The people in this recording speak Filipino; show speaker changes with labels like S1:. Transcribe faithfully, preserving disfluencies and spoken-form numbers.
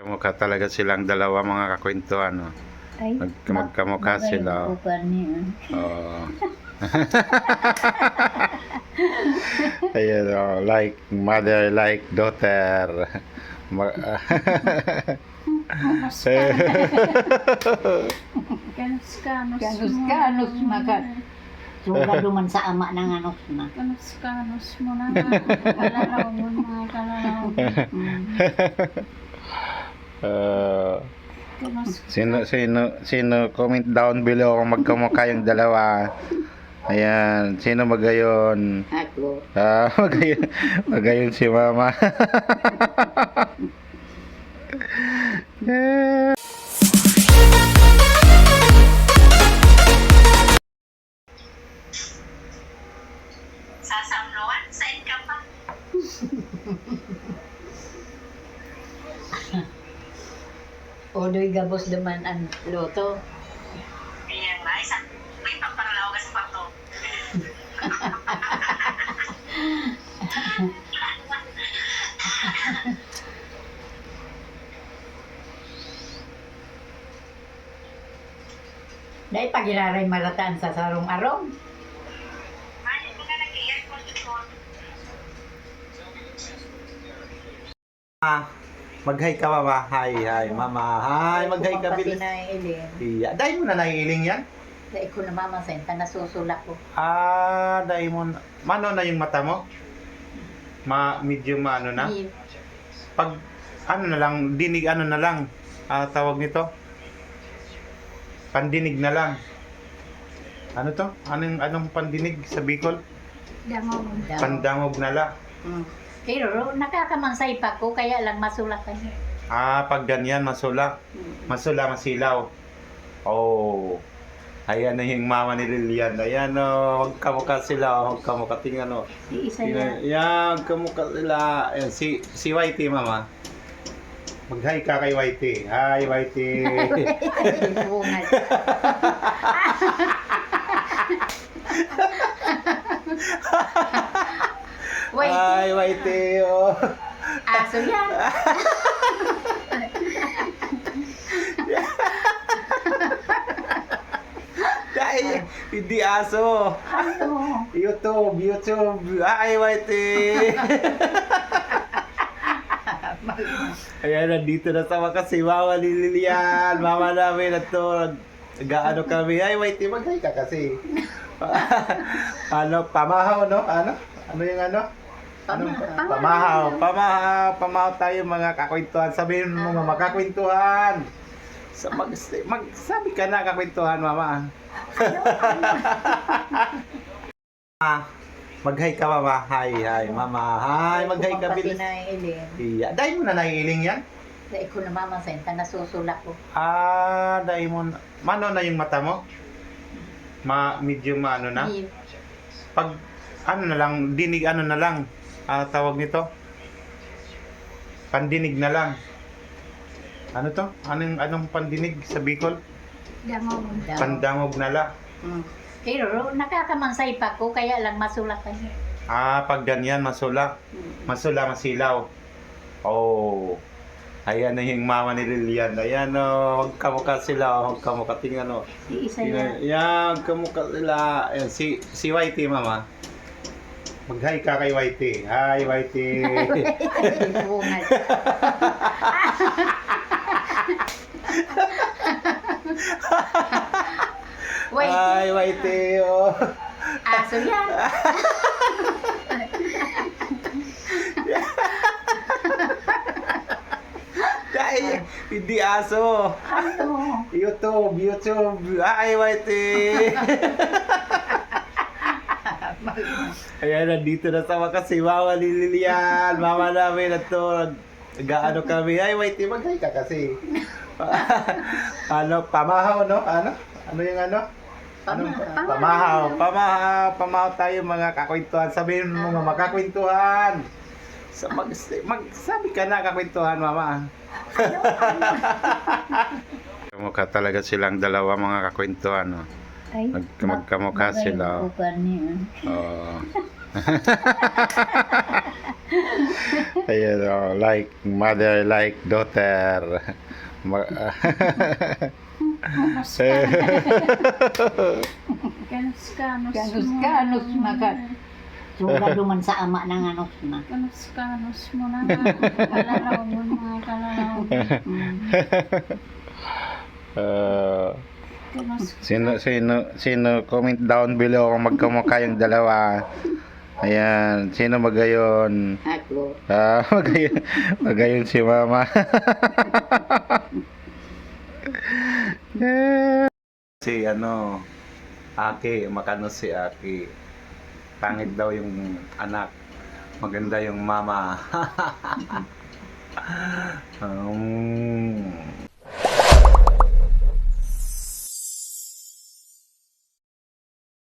S1: Mukha talaga silang dalawa mga kakwentuhan. No?
S2: Ay,
S1: Mag magkamukha sila.
S2: niya.
S1: Oo. Ayun, oh, like mother, like daughter. Ma
S2: Kanus-kanus
S3: Kanus-kanus makat. Suga duman sa ama ng anos na.
S2: Kanus-kanus mo na nga. Kalalaw mo mga kalalaw.
S1: uh, sino sino sino comment down below kung magkamukha yung dalawa. Ayan, sino magayon?
S3: Ako.
S1: Ah, magayon, magayon si mama.
S4: Sasamloan, saan ka pa?
S3: Odoy gabos duman ang loto.
S4: Kaya nga, isa, may pagpanglaw ka sa pato.
S3: Dahil pagiraray marataan sa sarong-arong.
S4: Mali mo nga nag-earphone ito.
S1: Ah, mag-hi ka mama. Hi, hi mama. Hi, mag-hi ka
S3: Pati
S1: bilis.
S3: na ilin.
S1: Iya, dahil mo na naiiling yan?
S3: Dahil ko na mama sa inta nasusulak ko.
S1: Ah, dahil mo na. Mano na yung mata mo? Ma, medyo maano na?
S3: Di-
S1: Pag, ano na lang, dinig ano na lang. Ah, tawag nito? Pandinig na lang. Ano to? Anong, anong pandinig sa Bicol?
S2: Damaw.
S3: Daw.
S1: Pandangog na lang.
S3: Mm. Pero nakakamansay pa ko kaya lang masulak ka niya.
S1: Ah, pag ganyan, masula. Masula, masilaw. Oh. Ayan na yung mama ni Lilian. Ayan o, oh, magkamukha sila. Oh, magkamukha. Tingnan o.
S3: Iisa
S1: Tingnan.
S3: yan.
S1: Ayan, magkamukha sila. Ayan, si, si Whitey, mama. Mag-hi ka kay Whitey. Hi, Whitey.
S3: Bungal. Wait,
S1: Hi, Whitey. Oh.
S3: aso yan.
S1: Dahil, hindi aso.
S3: Aso.
S1: YouTube, YouTube. Hi, Whitey. Ayan, nandito na sa wakas si Mama ni Lilian. Mama namin na to. Gaano kami. Ay, Whitey, mag-hi ka kasi. Ano, pamahaw, no? Ano? Ano yung ano? Anong
S3: Pamahaw.
S1: pamahaw? Pamahaw. Pamahaw tayo mga kakwentuhan. Sabihin mo mga kakwentuhan. Sa mag, magsabi ka na kakwentuhan, Mama. Ah, mag-hi ka, Mama. Hi, hi, Mama. Hi, mag-hi ka
S3: Pati
S1: bilis.
S3: na ilin.
S1: Iya, dahil mo na naiiling yan?
S3: Dahil ko na mama sa inta nasusulak ko.
S1: Ah, dahil mo na. Mano na yung mata mo? Ma, medyo maano na?
S3: Di-
S1: Pag, ano na lang, dinig ano na lang. Ah, tawag nito? Pandinig na lang. Ano to? Anong, anong pandinig sa Bicol?
S2: Damaw.
S3: Daw.
S1: Pandangog na lang.
S3: Mm. Pero nakakamansay pa ko kaya lang masulak ka niya.
S1: Ah, pag ganyan, masula. Masula, masilaw. Oh. Ayan na yung mama ni Lilian. Ayan o, oh, magkamukha sila. Oh, magkamukha. Tingnan o.
S3: Iisa
S1: Tingnan.
S3: yan.
S1: Ayan, magkamukha sila. Ayan, si, si Whitey, mama. Mag-hi ka kay Whitey. Hi, Whitey.
S3: Bungal. Wait,
S1: Hi, Whitey. Oh.
S3: aso yan.
S1: Dahil, hindi aso.
S3: Aso.
S1: YouTube, YouTube. Hi, Whitey. Ayan, nandito na sa wakas si Mama ni Lilian. Mama namin na to. Gaano kami. Ay, Whitey, mag-hi ka kasi. Ano, pamahaw, no? Ano? Ano yung ano? Anong
S3: Pamahaw.
S1: pamahaw? Pamahaw. Pamahaw tayo mga kakwentuhan. Sabihin mo mga kakwentuhan. Sa mag, magsabi ka na kakwentuhan, Mama. Mukha talaga silang dalawa mga kakwentuhan. No?
S2: Ay,
S1: Mag, magkamukha sila.
S2: niya.
S1: Oo. Ayan, oh, like mother, like daughter. Ma-
S2: Kanus ka. Kanus kanus
S3: Kanus
S2: mo
S3: kanus
S2: na.
S3: makat. Sugado man sa ama ng anos na.
S2: Kanus kanus mo na. Kalalaw mo mga kalalaw.
S3: Mm.
S1: Uh,
S2: Kanus
S1: sino, sino, sino, comment down below kung magkamukha yung dalawa. Ayan, sino magayon?
S3: Ako.
S1: Ah, magayon, magayon si mama. Si ano, Aki, makano si Aki. Pangit daw yung anak. Maganda yung mama. um,